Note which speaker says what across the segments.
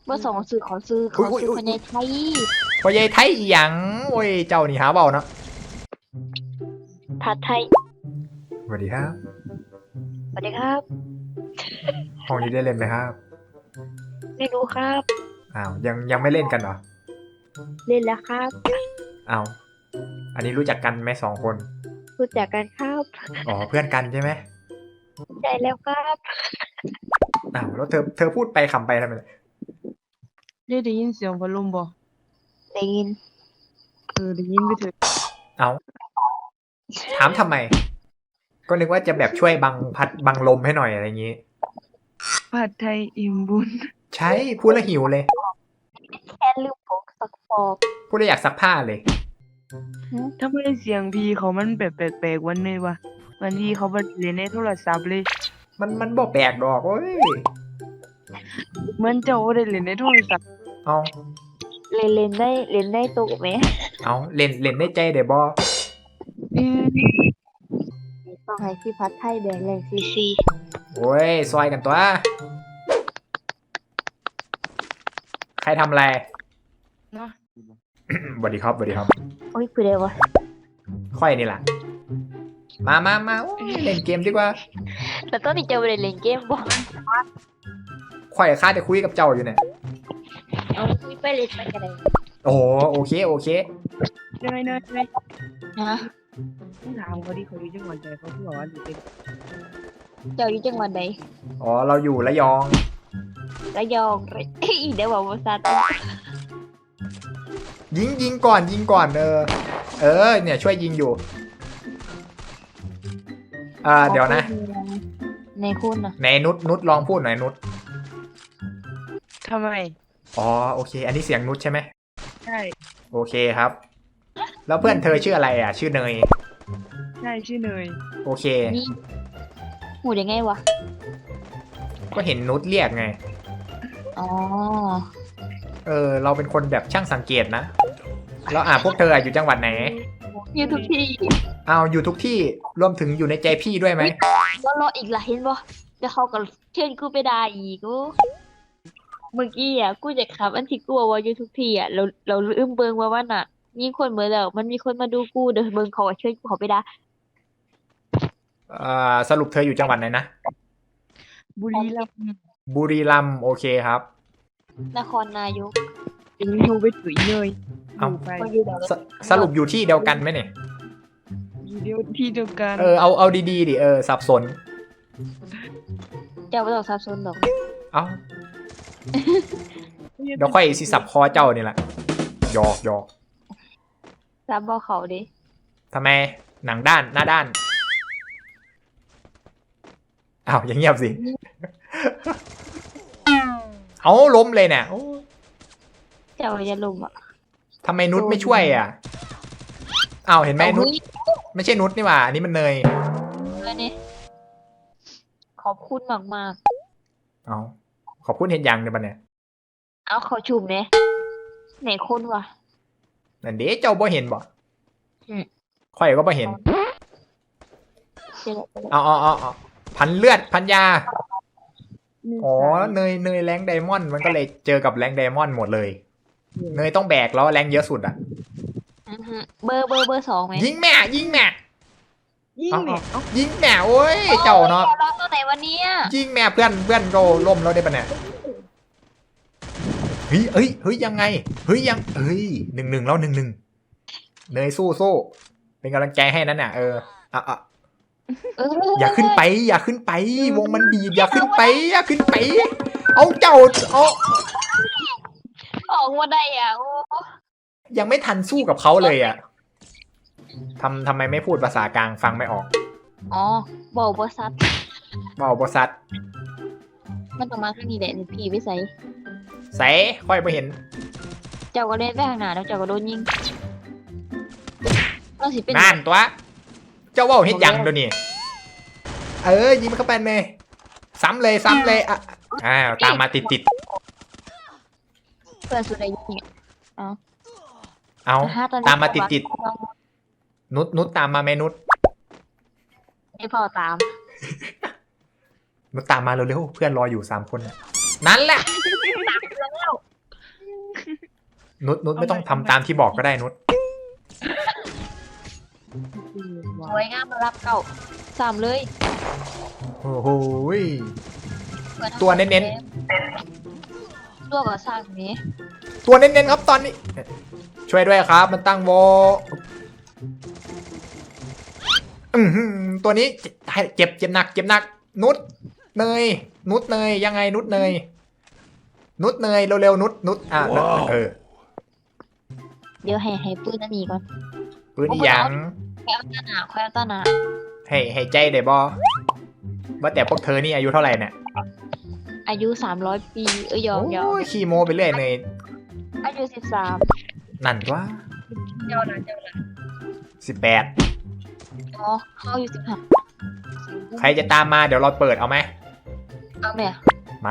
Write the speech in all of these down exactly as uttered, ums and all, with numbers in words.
Speaker 1: เบอร์สองซื้อขอซื้อขอซื้อคนในไทย
Speaker 2: พ่อใหญ่ไทยอีหยังโอ้ยเจ้านี่หาเบาเนาะ
Speaker 1: ผัดไทย
Speaker 2: สวัสดีครับ
Speaker 1: สวัสดีครับ
Speaker 2: ห้องนี้ได้เล่นไหมครับ
Speaker 1: ไม่รู้ครับ
Speaker 2: อ้าวยังยังไม่เล่นกันเหรอ
Speaker 1: เล่นแล้วครับ
Speaker 2: อ้าวอันนี้รู้จักกันไหมสองคน
Speaker 1: รู้จักกันครับ
Speaker 2: อ๋อเพื่อนกันใช่ไหม
Speaker 1: ใช่แล้วครับ
Speaker 2: อ้าวแล้วเธอเธอพูดไปขำไปทำไม
Speaker 3: ได้ได้ยินเสียงพัดลมบ่
Speaker 1: ได้ยิน
Speaker 3: เออได้ยินไปเถอะ
Speaker 2: เอาถามทำไมก็นึกว่าจะแบบช่วยบังพัดบังลมให้หน่อยอะไรอย่างงี้
Speaker 3: ผัดไทยอิ่มบุญ
Speaker 2: ใช่พูดแล้วหิวเลย
Speaker 1: แค่ลืมผงซักฟอก
Speaker 2: พูดแล้วอยากซักผ้าเลย
Speaker 3: ทำไมเสียงพี่เขามันแบบแปลกๆวันนี้วะวันที่เขาไปเล่นในโทรศัพท์เลย
Speaker 2: มันมันบ่แปลกดอกโอ้ย
Speaker 3: เหมือนเจ้าได้เล่นในโทรศัพท์
Speaker 2: เอา
Speaker 1: เล่นเล่นได้เล่นได้ตกไหม
Speaker 2: เอาเล่นเล่นได้ใจเดี๋ยวบอ
Speaker 1: ต้องให้พี่พัดไทยแบ่งแรงซีซี
Speaker 2: โอ้ยซอยกันตัวใครทำอะไร
Speaker 3: เนาะ
Speaker 2: สวัสดีครับสวัสดีครับ
Speaker 1: โอ้ยคือเดียววะ
Speaker 2: ค่อยนี่แหละมามามาเล่นเกมดีกว่า
Speaker 1: แต่ตอนนี้เจ้าไปเล่นเกมบ่
Speaker 2: ค่อยข้าจะคุยกับเจ้าอยู่เนี่ย
Speaker 1: เอาคุยไปเล่นไปกันเลย
Speaker 2: โอ้โอเคโอเค
Speaker 3: ยังไงเนย
Speaker 1: ฮะ
Speaker 3: ต้องถามเขาดิเขาอยู่จังหวัดใดเขาพูดว่าอยู่เป็น
Speaker 1: เจ้าอยู่จังหวัดใด
Speaker 2: อ๋อเราอยู่ระยอง
Speaker 1: ระยองอีเดี๋ยวบอกว่าซาต
Speaker 2: ยิงยิงก่อนยิงก่อนเออเออเนี่ยช่วยยิงอยู่อ่าเดี๋ยวนะ
Speaker 1: ในคุณนะ
Speaker 2: ในนุชนุชลองพูดหน่อยนุช
Speaker 3: ทำไม
Speaker 2: อ๋อโอเคอันนี้เสียงนุชใช่ไหม
Speaker 3: ใช่
Speaker 2: โอเคครับแล้วเพื่อนเธอชื่ออะไรอ่ะชื่อเนย
Speaker 3: ใช่ชื่อเนย
Speaker 2: โอเค
Speaker 1: หูยังไงวะ
Speaker 2: ก็เห็นนุชเรียกไง
Speaker 1: อ๋อ
Speaker 2: เออเราเป็นคนแบบช่างสังเกตนะแล้วอ่ะพวกเธออยู่จังหวัดไหน
Speaker 1: อยู่ทุกที่
Speaker 2: เอาอยู่ทุกที่รวมถึงอยู่ในใจพี่ด้วยไหม
Speaker 1: ก็รออีกละเห็นบ่จะเขาก็เชิญกูไปด่าอีกกูเมื่อกี้อ่ะกูจะขับอันที่กูว่าอยู่ทุกที่อ่ะเราเราลืมเบิ่งว่าวันน่ะมีคนเหมือนแล้วมันมีคนมาดูกูเด้อเบิ่งเขาเชิญกูเขาไปด่า
Speaker 2: อ่าสรุปเธออยู่จังหวัดไหนนะ
Speaker 3: บุรีรัมย์
Speaker 2: บุรีรัมย์โอเคครับ
Speaker 1: นครนายก
Speaker 3: เป็นยูไปถุยเลย
Speaker 2: เอาสรุปอยู่ที่เดียวกันไหมเนี่ย
Speaker 3: อยู่เดียวที่เดียวกัน
Speaker 2: เออเอาเอาดีๆดิเออสับสน
Speaker 1: เจ้าไม่ต้องสับสนหรอก
Speaker 2: เอาเดี๋ยวค่อยสิสับคอเจ้านี่แหละหยอกหยอก
Speaker 1: สับบ่เขาดิ
Speaker 2: ทำไมหนังด้านหน้าด้านอ้าวอย่างเงียบสิเอาล้มเลยเนี่ย
Speaker 1: เจ้าจะลุมอ่ะ
Speaker 2: ทำไมนุชไม่ช่วยอ่ะอ้าวเห็นไหมนุชไม่ใช่นุชนี่หว่าอันนี้มันเนย
Speaker 1: นี่ขอบคุณมากมาก
Speaker 2: เอาขอบคุณเห็นยังเนี่ยบันเนี่ย
Speaker 1: เอาเขาชุมเนี่ยไหนคนวะ
Speaker 2: นั่นเด้เจ้าบ่เห็นบ่ค่อยก็บ่เห็นเอาเอาเอาพันเลือดพันยาอ๋อเนยเนยแรงไดมอนด์มันก็เลยเจอกับแรงไดมอนด์หมดเลยเนยต้องแบกแล้วแรงเยอะสุดอ่ะ
Speaker 1: เบอร์เบอร์เบอร์สองไหม
Speaker 2: ยิงแม่ยิงแม่
Speaker 3: ยิงแม่
Speaker 2: ยิงแม่โอ้ยเจ้าเนาะ
Speaker 1: ร้องตัวไหนวันนี้
Speaker 2: ยิงแม่เพื่อนเพื่อนโดล่มแล้วได้ปะเนี่ยเฮ้ยเฮ้ยเฮ้ยยังไงเฮ้ยยังเฮ้ยหนึ่งหนึ่งแล้วหนึ่งหนึ่งเนยสู้สู้เป็นกำลังใจให้นั่นน่ะเอออ่ะอ่ะอย่าขึ้นไปอย่าขึ้นไปวงมันบีบอย่าขึ้นไปอย่าขึ้นไปเอาเจ้าเอา
Speaker 1: ออกมาได้อ่ะโอ้
Speaker 2: ยังไม่ทันสู้กับเขาเลยอ่ะทำทำไมไม่พูดภาษากลางฟังไม่ออก
Speaker 1: อ๋อบอกบอสัต
Speaker 2: บอกบอสัต
Speaker 1: มันต้องมาข้างนี้แหละพี่วิสัย
Speaker 2: ใส่ค่อยไปเห็น
Speaker 1: เจ้าก็เล่นไปข้างหน้าแล้วเจ้าก็โดนยิงเราสิเป็น
Speaker 2: นั่นตัวเจ้าว่าเฮ็ดยังเดี๋ยวนี้เออยิงมันเข้าไปเลยซ้ำเลยซ้ำเลยอ่ะอ้าวตามมาติดติด
Speaker 1: เปิดสุดเลยยิงเอา
Speaker 2: เอาตามมาติดติดนุชนุชตามมาไหมนุช
Speaker 1: ให้พ่อตาม
Speaker 2: นุชตามมาเร็วๆเพื่อนรออยู่สามคนน่ะนั่นแหละ
Speaker 1: แล้ว
Speaker 2: นุชนุชไม่ต้องทำตามที่บอกก็ได้นุช
Speaker 1: สวยงามมารับเก่าสามเลย
Speaker 2: โอ้โหย ตัวเน้น
Speaker 1: ๆตัวกับสร้างนี้
Speaker 2: ตัวเน้นๆครับตอนนี้ ช่วยด้วยครับ มันตั้งโวอือหือตัวนี้เจ็บเจ็บหนักเจ็บหนัก นุชเนยนุชเนยยังไงนุชเนยนุชเนยเร็วๆนุชนุชอ่ะเออ
Speaker 1: เดี๋ยวให้ให้ปืนอันนี้ก่อน
Speaker 2: ปืนอีหยัง
Speaker 1: แควต้าหนาแควต้าหนา
Speaker 2: ให้ให้ใจได้บอว่าแต่พวกเธอนี่อายุเท่าไหร่เนี่ย
Speaker 1: อายุสามร้อยปีเอ้ยยอมยอม
Speaker 2: โอ้ยขี้โมไปเรื่อยเนย
Speaker 1: อายุสิบสาม
Speaker 2: นั่นวะ
Speaker 1: เจ้าละเจ้าละ
Speaker 2: สิบแปด
Speaker 1: อ๋อเขาอายุสิบห้า
Speaker 2: ใครจะตามมาเดี๋ยวเราเปิดเอาไหม
Speaker 1: เอาแม่
Speaker 2: มา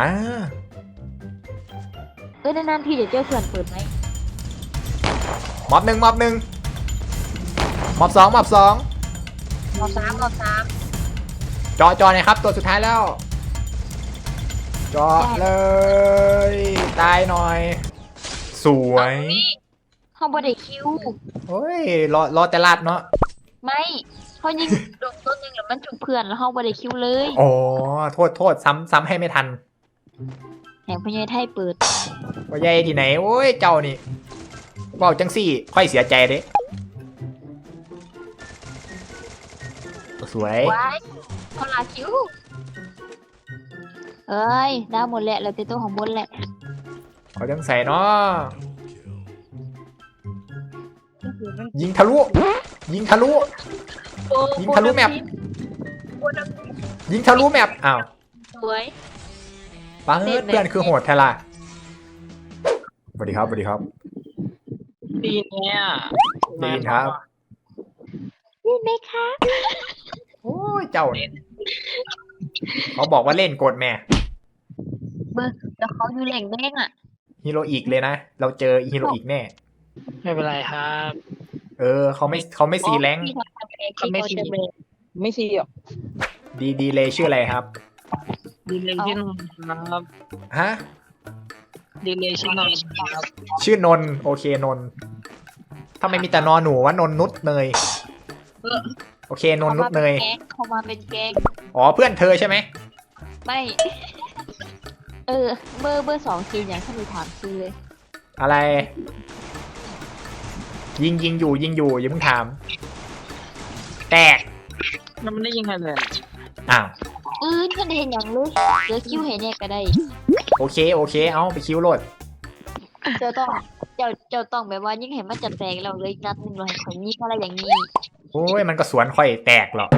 Speaker 1: เอ้ยนานๆทีเดี๋ยวเจ้าเพื่อนเปิดไหม
Speaker 2: ม็อบหนึ่งม็อบหนึ่งม็อบสองม็อบสอง
Speaker 1: รอบสามรอบสาม
Speaker 2: จอจอหน่อยครับ ตัวสุดท้ายแล้ว จอเลย ตายหน่อย สวย
Speaker 1: เขาบอได้คิว
Speaker 2: โอ้ย รอรอแต่ลาดเนาะ
Speaker 1: ไม่เขายิงโดนต้นหนึ่งแล้วมันจุกเพื่อนแล้วเขาบอได้คิวเลย
Speaker 2: อ๋อ โทษโทษซ้ำซ้ำให้ไม่ทัน
Speaker 1: แห่งพญาไทยเปิด
Speaker 2: ว่าใหญ่ที่ไหน โอ้ย เจ้านี่เว้าจังสี่ ค่อยเสียใจเด้สวย
Speaker 1: ว้ายเขาลาคิวเอ้ยดาวหมดแหละเราเต็มตัวของบนแหละ
Speaker 2: เขาจังใส่เนาะ ยิงทะลุ ยิงทะลุ ยิงทะลุแมป ยิงทะลุแมปอ้าว
Speaker 1: สวย
Speaker 2: ป้าเพื่อนคือโหดแทล่ะสวัสดีครับสวัสดีครับ
Speaker 4: ดีเนี่ย
Speaker 2: ได้ยินครับ
Speaker 1: นี่ไหมคะ
Speaker 2: โอ้ย เจ้าเนี่ยเขาบอกว่าเล่นกดแม่
Speaker 1: เบอร์แล้วเขาอยู่แหล่งแดงอ่ะ
Speaker 2: ฮีโร่อีกเลยนะ เราเจอฮีโร่อีกแน่
Speaker 4: ไม่เป็นไรครับ
Speaker 2: เออเขาไม่เขาไม่ซีแรงค์
Speaker 4: เขาไม่ซี ไม่ซีหรอก
Speaker 2: ดีดีเลยชื่ออะไรครับ
Speaker 4: ดีเลยชื่อนนท์ครับ
Speaker 2: ฮะ
Speaker 4: ดีเลยชื่อนนท์ครับ
Speaker 2: ชื่อนนท์โอเคนนท์ทำไมมีแต่นอนหนูว่านนนุชเนย โอเคนนนุชเนย
Speaker 1: เขามาเป็นแก๊ง
Speaker 2: อ๋อเพื่อนเธอใช่ไหม
Speaker 1: ไม่ เออ เบอร์เบอร์สองทีอย่างถ้ามีถามซื้อเลย
Speaker 2: อะไร ยิงยิงอยู่ยิงอยู่อย่าเพิ่งถาม แตก
Speaker 4: มันไม่ได้ยิงใครเลย
Speaker 2: อ้าว
Speaker 1: อืนก็ได้เห็นอย่างเลยเดี๋ยวคิวเห็นเนี่ยก็ได้
Speaker 2: โอเคโอเค เอาไปคิวโหลด
Speaker 1: เจ้าต้อง เจ้าเจ้าต้องแบบว่ายิ่งเห็นมันจะแตกเราเลยนัดหนึ่งเราให้คนนี้อะไรอย่างนี้
Speaker 2: โอ้ยมันก็สวนค่อยแตกหรอก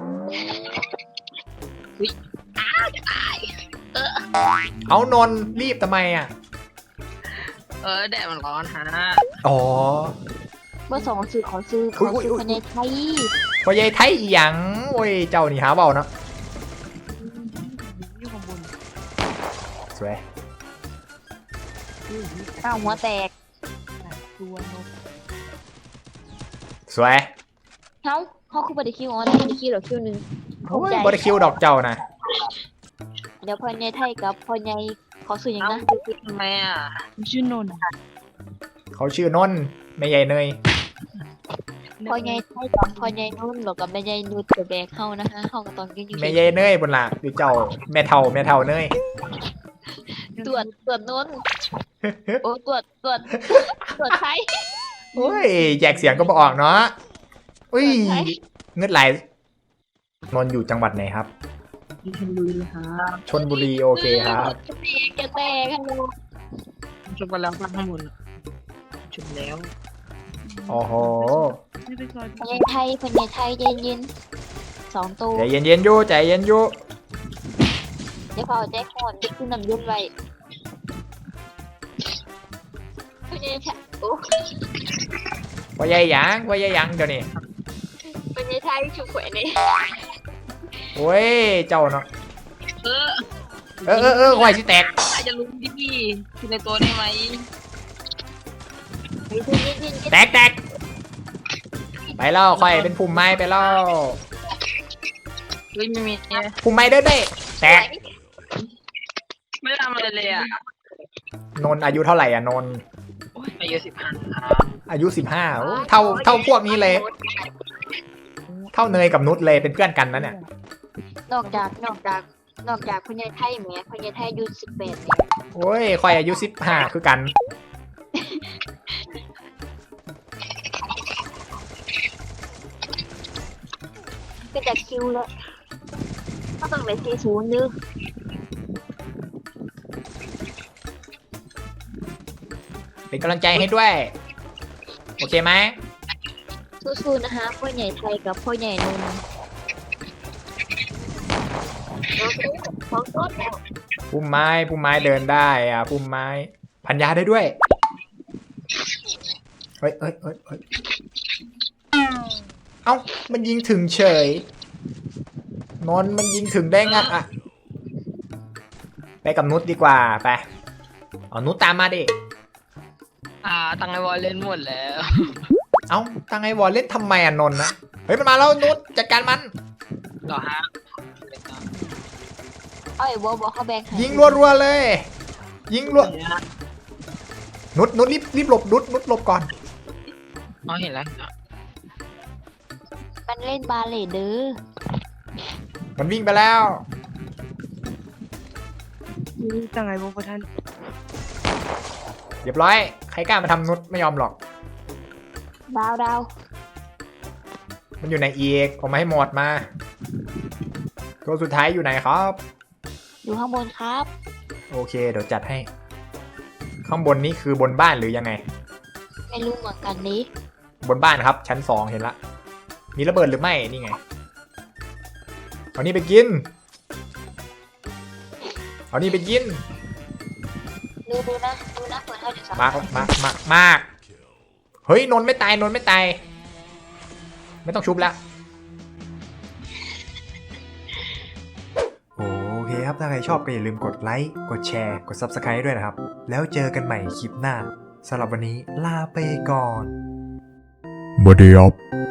Speaker 2: เอานนท์รีบทำไมอ่ะ
Speaker 4: เออแดดมันร้อนฮะ
Speaker 2: อ๋อ
Speaker 1: เบอร์สองซื้อขอซื้อข
Speaker 2: อุ๊
Speaker 1: อย
Speaker 2: อุ๊ย
Speaker 1: ซื้อ
Speaker 2: อุ๊ย
Speaker 1: คนในไทย
Speaker 2: พอยายไทยอีหยังโอ้ยเจ้านี่หาเบาเนาะ
Speaker 3: อยู่ข้างบน
Speaker 2: สวย
Speaker 1: ข้าวหัวแตก
Speaker 3: ตัวนก
Speaker 2: สวย
Speaker 1: เขาเขาคือบริคิวอ๋อได้บริคิวหรอคิวหนึ่ง
Speaker 2: โอ้ยบริคิวดอกเจ้านะ
Speaker 1: เดี๋ยวพอในไทยกับพอในขอซื้ออย่าง
Speaker 4: เอ้า
Speaker 1: นะ
Speaker 4: ทำไมอ่ะ
Speaker 3: ชื่อนนท์
Speaker 2: เขาชื่อนนท์ไม่ใหญ่เนย
Speaker 1: พอในไทยกับพอในนุ่นหรอกกับแม่ใหญ่นุ่นกับแบกเข้านะคะเข้ากับตอนกินอยู่
Speaker 2: ไม่ใหญ่เนยบนละคือเจ้าแม่เท่าแม่เท่าเนย
Speaker 1: ตรวจตรวจนุ่นโอ้ตรวจตรวจตรวจไทย
Speaker 2: โอ้ยแยกเสียงก็บออกเนาะอุ้ย
Speaker 1: ใช่
Speaker 2: เงืดไหลนนท์อยู่จังหวัดไหนครับ
Speaker 4: ที่ชลบุรีครับ
Speaker 2: ชนบุรีโอเคครับ
Speaker 1: แกแตกฮัลโหล
Speaker 4: ชุบไปแล้วข้างบนชุบแล้ว
Speaker 2: โอ้โห
Speaker 3: ไม่ไปซอย
Speaker 1: พอในไทยพอในไทยเย็นเย็นสองตัว
Speaker 2: ใจเย็นเย็นๆอยู่ใจเย็นอยู่
Speaker 1: เดี๋ยวพอแจ็คฮอนจะขึ้นน้ำเย็นไว้พอในไทยโอ้
Speaker 2: ว่าใหญ่หยังว่าใหญ่หยังเดี๋ยวนี้
Speaker 1: พอในไทยชุบแขวนนี่
Speaker 2: โอ้ยเจ้าเนาะ
Speaker 4: เออ
Speaker 2: เออเออเออไหวสิแตก
Speaker 4: อาจจะลุ้นที่พี่ที่ในตัวได้ไหม
Speaker 1: เย็นเย็นเย็น
Speaker 2: แตกแตกไปแล้วค่อยเป็นภูมิไม้ไปแล้ว
Speaker 4: เฮ้ยไม่มีเนี่ย
Speaker 2: ภูมิไม้เด้อเด้แตก
Speaker 4: ไม่ทำอะไรเลยอ่ะ
Speaker 2: นนท์อายุเท่าไหร่อ่ะนนท์
Speaker 4: อายุสิบห้าครับ
Speaker 2: อายุสิบห้าเท่าเท่าพวกนี้เลย เท่าเนยกับนุชเลยเป็นเพื่อนกันนะเนี่ย
Speaker 1: นอกจากนอกจากนอกจากคุณยายไทยแหมคุณยายไทยอายุสิบแปดเนี่ย
Speaker 2: โอ้ยคอยอายุสิบห้าคือกัน
Speaker 1: ก็จากคิวแล้วก็ต้องเลยสี่ศูนย์นึก
Speaker 2: เป็นกำลังใจให้ด้วย โอเคไหม
Speaker 1: สู้ๆนะคะพ่อใหญ่ไทยกับพ่อใหญ่นนท์ของต้นแล้ว
Speaker 2: พุ่มไม้พุ่มไม้เดินได้อ่ะพุ่มไม้พันยาได้ด้วยเฮ้ยเฮ้ยเฮ้ยเฮ้ยเอ้ามันยิงถึงเฉยนนท์มันยิงถึงได้งัดอ่ะไปกับนุชดีกว่าไปเอานุชตามมาดิ
Speaker 4: อ่าตังไอวอลเล่นหมดแล้ว
Speaker 2: เอ้าตั้งไอ้วอลเล่นทำไมอ่ะนนท์นะเฮ้ยมันมาแล้วนุชจัดการมัน
Speaker 4: เหรอฮะ
Speaker 1: เอาไอ้บอบอเขาแบงค์ให้
Speaker 2: ยิงรัวๆเลย ยิงรัวนุชนุชรีบรีบหลบนุชนุชหลบก่อน
Speaker 4: อ๋อเห็นแล้ว
Speaker 1: มันเล่นบาเลเดอร์
Speaker 2: มันวิ่งไปแล้ว
Speaker 3: ตั้งไงบ่ทัน
Speaker 2: เรียบร้อยใครกล้ามาทำนุชไม่ยอมหรอก
Speaker 1: ดาวดาว
Speaker 2: มันอยู่ไหนอีกผมมาให้หมดมาตัวสุดท้ายอยู่ไหนครับ
Speaker 1: อยู่ข้างบนครับ
Speaker 2: โอเคเดี๋ยวจัดให้ ข้างบนนี้คือบนบ้านหรือยังไง
Speaker 1: ไม่รู้เหมือนกันนี้
Speaker 2: บนบ้านครับ ชั้นสองเห็นละ มีระเบิดหรือไม่นี่ไงเอานี่ไปกินเอานี่ไปกิน
Speaker 1: ดูดูนะดูนะเปิดให้เดี๋ยวสัก
Speaker 2: มากมากมากมากเฮ้ยนนท์ไม่ตายนนท์ไม่ตายไม่ต้องชุบละโอเคครับถ้าใครชอบก็อย่าลืมกดไลค์กดแชร์กด ซับสไครบ์ ด้วยนะครับแล้วเจอกันใหม่คลิปหน้าสำหรับวันนี้ลาไปก่อนบดีครับ